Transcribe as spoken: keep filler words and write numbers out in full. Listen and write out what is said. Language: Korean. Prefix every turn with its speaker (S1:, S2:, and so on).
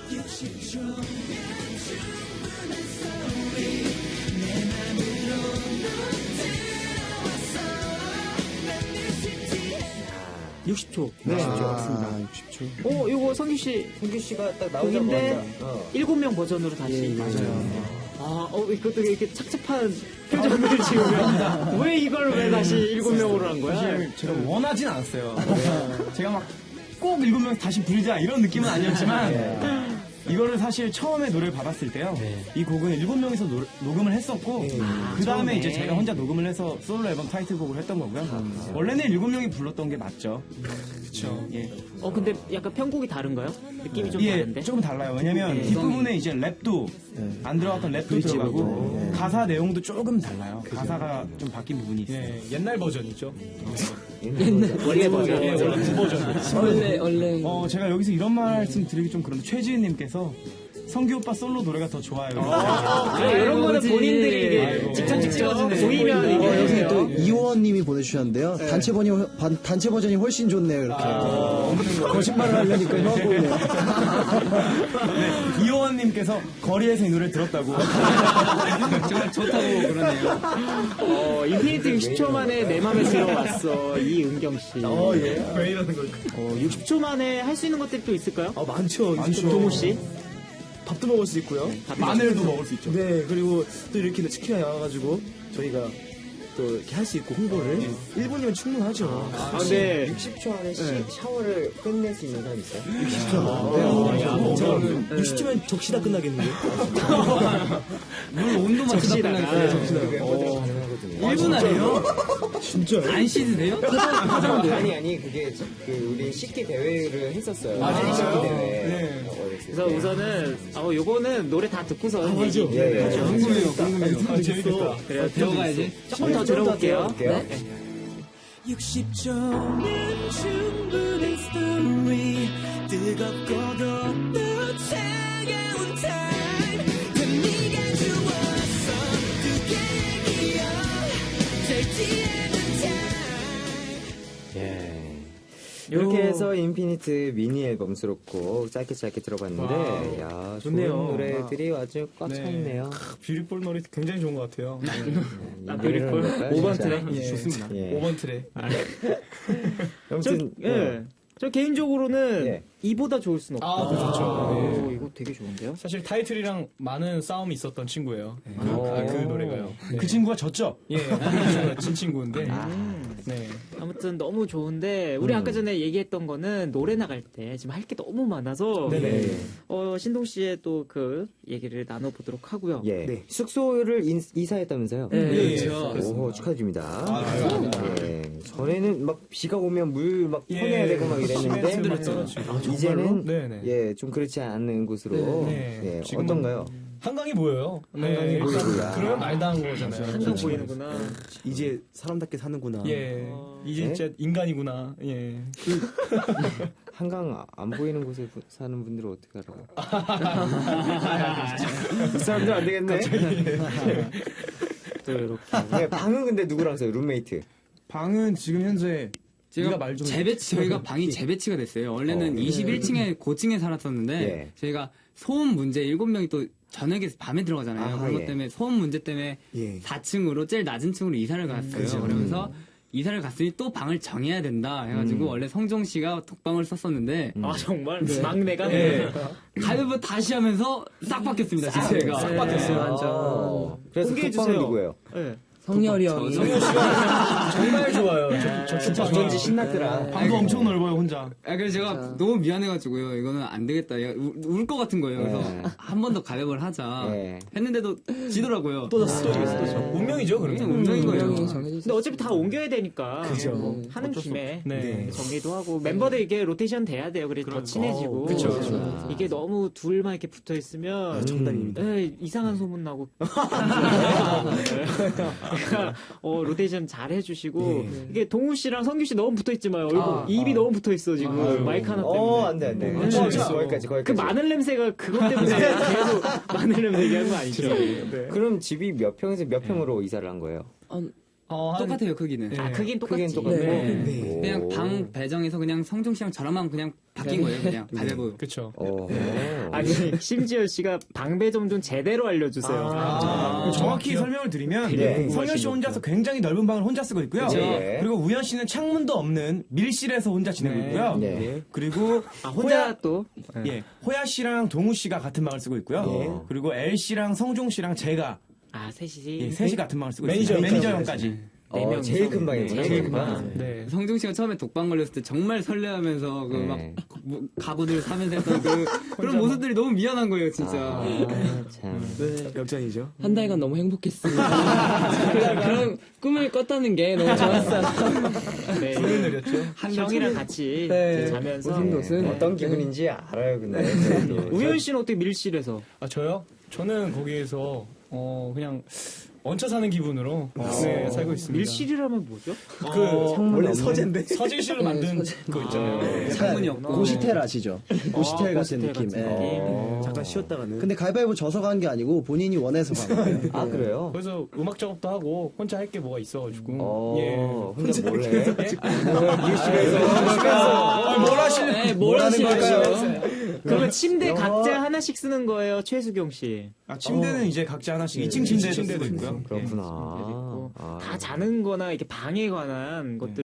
S1: 육십 초.
S2: 네,
S3: 맞습니다. 육십 초.
S1: 어, 이거 성규 씨.
S2: 성규 씨가 딱
S1: 곡인데
S2: 나오자마자 어.
S1: 일곱 명 버전으로 다시.
S3: 예, 맞아요.
S1: 아, 어, 이것도 이렇게 착잡한 표정을 지으면 왜 이걸 왜 다시 일곱 명으로 한 거야?
S4: 사실 제가 원하진 않았어요. 제가 막 꼭 일곱 명 다시 부르자 이런 느낌은 아니었지만 이거를 사실 처음에 노래를 받았을 때요. 이 곡은 일곱 명이서 노, 녹음을 했었고 그 다음에 이제 제가 혼자 녹음을 해서 솔로 앨범 타이틀곡을 했던 거고요. 원래는 일곱 명이 불렀던 게 맞죠. 그렇죠. 예.
S1: 어, 근데 약간 편곡이 다른가요? 느낌이 좀
S4: 예,
S1: 다른데?
S4: 조금 달라요. 왜냐면
S1: 네.
S4: 뒷부분에 이제 랩도 안 들어갔던 랩도 들어가고 가사 내용도 조금 달라요. 가사가 좀 바뀐 부분이 있어요.
S5: 예, 옛날 버전이죠.
S1: 옛날 원래 버전.
S5: 예, 원래 그 버전.
S3: 원래, 원래.
S4: 어, 제가 여기서 이런 말씀 드리기 좀 그런데 최지은님께서 성규 오빠 솔로 노래가 더 좋아요.
S1: 그래, 이런 거는
S3: 뭐지?
S1: 본인들이 이게
S4: 아이고.
S1: 직접 직접
S4: 네.
S1: 보이면 이게.
S3: 어, 여기
S1: 해요.
S3: 또 이호원님이 보내주셨는데요. 단체 버전이, 훨- 반- 단체 버전이 훨씬 좋네요, 이렇게. 거짓말을 하려니까 형 보이네요.
S4: 네, 이호원님께서 거리에서 이 노래를 들었다고.
S6: 정말 좋다고 그러네요.
S1: 어, 인피니트 육십 초 만에 내 맘에 들어왔어. 이은경 씨.
S2: 어, 예.
S5: 왜 이러는 걸까?
S1: 어, 육십 초 만에 할 수 있는 것들이 또 있을까요?
S2: 아, 많죠.
S4: 많죠.
S1: 동호 씨.
S2: 밥도 먹을 수 있고요.
S4: 마늘도 먹을 수 있죠.
S2: 네, 그리고 또 이렇게 치킨이 나와가지고 저희가 또 이렇게 할 수 있고 홍보를 일 분이면 충분하죠.
S1: 아, 근데
S2: 육십 초 안에 샤워를 끝낼 수 있는 사람 있어요? 육십 초면 적시다 끝나겠는데?
S6: 물 온도만
S1: 적시다가.
S6: 끝나겠어요.
S2: 어, 가능하거든요.
S6: 일 분 안에요?
S2: 진짜요?
S6: 안 씻으세요?
S2: 아니 아니 그게 저- 그 우리 식기 대회를 했었어요. 아, 식기 대회.
S1: 그래서 우선은 어, 요거는 노래 다 듣고서 얘기.
S2: 예, 예.
S6: 궁금해요, 궁금해요.
S4: 아, 재밌겠다.
S1: 그래요.
S6: 배워가야지.
S1: 조금 더 들어볼게요.
S2: 네.
S7: 육십 초면 충분한 스토리 뜨겁고도 또 차가운 타임 그 네가 좋았어 그게 얘기야 절지 않은 타임
S2: 이렇게 해서 인피니트 미니 앨범 수록곡 짧게 짧게 들어봤는데 야 좋은
S5: 좋네요.
S2: 노래들이 아주 꽉 차 있네요.
S5: 뷰티풀 노래 굉장히 좋은 것 같아요.
S1: 아, 뷰티풀.
S2: 오
S1: 번 트랙?
S5: 예.
S4: 좋습니다.
S2: 예.
S5: 오 번 트랙.
S1: 저,
S2: 아무튼
S1: 예. 저 개인적으로는
S2: 예.
S1: 이보다 좋을 순 없다.
S5: 아, 그렇죠.
S1: 오, 이거 되게 좋은데요?
S5: 사실 타이틀이랑 많은 싸움이 있었던 친구예요. 그,
S2: 오.
S5: 아, 그 노래가요. 네.
S4: 그 친구가 졌죠?
S5: 예, 그 친구가 진 친구인데. 네.
S1: 아무튼 너무 좋은데 우리 아까 전에 얘기했던 거는 노래 나갈 때 지금 할 게 너무 많아서
S5: 네네.
S1: 어, 신동 씨의 또 그 얘기를 나눠보도록 하고요.
S2: 예. 숙소를 인, 이사했다면서요?
S1: 네.
S5: 예,
S6: 그렇죠.
S2: 오, 축하드립니다.
S4: 아,
S2: 예. 전에는 막 비가 오면 물 막
S5: 예.
S2: 퍼내야 되고 막 이랬는데
S5: 힘들었죠.
S2: 이제는
S5: 네네.
S2: 예, 좀 그렇지 않은 곳으로
S5: 네.
S2: 예,
S5: 지금은
S2: 어떤가요?
S5: 한강이 보여요.
S2: 한강이
S5: 일단
S2: 보이고요.
S5: 그러면 말도 안 거잖아요.
S1: 한강 보이는구나.
S3: 이제 사람답게 사는구나.
S5: 예. 이제
S2: 네?
S5: 진짜 인간이구나. 예.
S2: 한강 안 보이는 곳에 부- 사는 분들은 어떻게 알아? 이 사람들 안 되겠네.
S1: 또 이렇게.
S2: 예, 방은 근데 누구랑 써요? 룸메이트.
S4: 방은 지금 현재
S6: 제가
S4: 네가 말 좀
S6: 재배치, 저희가 방이 재배치가 됐어요. 원래는
S2: 어.
S6: 이십일 층에 고층에 살았었는데
S2: 예.
S6: 저희가 소음 문제 일곱 명이 또 저녁에 밤에 들어가잖아요.
S2: 아하,
S6: 그런 것
S2: 예.
S6: 때문에 소음 문제 때문에
S3: 예.
S6: 사 층으로 제일 낮은 층으로 이사를 갔어요. 그러면서 이사를 갔으니 또 방을 정해야 된다 해가지고 원래 성종 씨가 독방을 썼었는데
S1: 아, 정말? 막내가?
S6: 네. 가위바위보 다시 하면서 싹 바뀌었습니다. 제가
S1: 싹
S6: 바뀌었어요.
S2: 아, 그래서
S1: 공개해주세요.
S2: 독방은 누구예요?
S1: 네.
S3: 성열이 형이.
S5: 정말 좋아요. 저, 저 진짜
S2: 어쩐지 신났더라.
S4: 방도 엄청 넓어요 혼자.
S6: 아, 그래서 제가 너무 미안해가지고요. 이거는 안 되겠다. 울 것 같은 거예요. 그래서
S2: 네.
S6: 한 번 더 가위바위보를 하자.
S2: 네.
S6: 했는데도 지더라고요.
S5: 또 졌어, 또 졌어, 또 졌어. 운명이죠,
S6: 그게
S5: 그러면.
S6: 운명인 거예요.
S1: 근데 어차피 다 옮겨야 되니까.
S5: 그죠.
S1: 뭐 하는 김에
S5: 네.
S1: 정리도 하고 멤버들 이게 로테이션 돼야 돼요. 그래서 더 친해지고.
S5: 그쵸, 그쵸.
S1: 이게 너무 둘만 이렇게 붙어 있으면
S3: 정답입니다.
S1: 에이, 이상한 소문 나고. 어, 로테이션 잘 해주시고 이게 동우 씨랑 성규 씨 너무 붙어 있지만 얼굴 입이 너무 붙어 있어 지금 마이크 하나 때문에.
S2: 어, 안 돼, 안 돼.
S1: 네.
S2: 어, 거기까지,
S1: 그
S2: 거기까지.
S1: 마늘 냄새가 그것 때문에 계속 마늘 냄새 얘기한 거 아니죠? 네.
S2: 그럼 집이 몇 평에서 몇 평으로 이사를 한 거예요?
S3: 한
S5: 어, 한-
S6: 똑같아요 크기는.
S1: 아, 크긴 똑같지.
S6: 네. 그냥 방 배정에서 그냥 성종 씨랑 저랑만 그냥 바뀐 거예요. 그냥 가위바위보.
S5: 그쵸.
S8: 어.
S1: 아니, 심지어 씨가 방배점 좀 제대로 알려주세요.
S4: 아, 정확히 설명을 드리면
S8: 네.
S4: 성현 씨 혼자서 굉장히 넓은 방을 혼자 쓰고 있고요.
S8: 네.
S4: 그리고 우현 씨는 창문도 없는 밀실에서 혼자 지내고 있고요.
S8: 네.
S4: 그리고
S1: 아, 혼자
S4: 호야,
S1: 또.
S4: 예, 호야 씨랑 동우 씨가 같은 방을 쓰고 있고요. 그리고 엘 씨랑 성종 씨랑 제가
S1: 아, 셋이.
S4: 예, 셋이 같은 방을 쓰고
S5: 매니저
S4: 있어요. 매니저
S5: 형까지.
S4: 형까지.
S1: 네
S8: 어,
S1: 명이서.
S8: 제일 큰 방이구나.
S1: 제일 큰
S8: 거기가.
S1: 방.
S5: 네.
S6: 성종 씨가 처음에 독방 걸렸을 때 정말 설레하면서 그 막
S8: 네.
S6: 가구들 사면서 했던 그, 그런 모습들이 너무 미안한 거예요, 진짜.
S8: 아, 참.
S2: 역전이죠.
S9: 한 달간 너무 행복했습니다. 그런, 그런 꿈을 꿨다는 게 너무 좋았어요.
S1: 네. 형이랑 같이
S9: 네.
S1: 이제 자면서.
S9: 오순도순.
S8: 어떤 기분인지 알아요, 근데. 저도.
S1: 우현 씨는 어떻게 밀실에서?
S5: 아, 저요? 저는 거기에서, 어, 그냥, 얹혀 사는 기분으로, 네, 살고 있습니다.
S1: 밀실이라면 뭐죠?
S5: 그,
S2: 원래 서재인데.
S5: 서재실로 만든 거 있잖아요.
S6: 창문이 없고.
S3: 고시텔 아시죠? 고시텔
S1: 아,
S3: 같은
S1: 고시텔
S3: 느낌.
S1: 같은
S3: 예.
S1: 느낌.
S2: 잠깐 쉬었다가는.
S3: 근데 가위바위보 져서 간 게 아니고 본인이 원해서 간 거예요.
S8: 아, 그래요?
S5: 그래서 음악 작업도 하고, 혼자 할 게 뭐가 있어가지고.
S8: 어,
S5: 예.
S8: 혼자 몰래.
S4: 뭘 하시는
S9: 네, 뭘 하는 걸까요?
S1: 그러면 침대 각자 하나씩 쓰는 거예요, 최수경 씨.
S4: 아, 침대는 이제 각자 하나씩 이 층 침대에서 쓰고 있고요.
S8: 그렇구나.
S1: 있고.
S8: 아.
S1: 다 자는 거나 이렇게 방에 관한 것들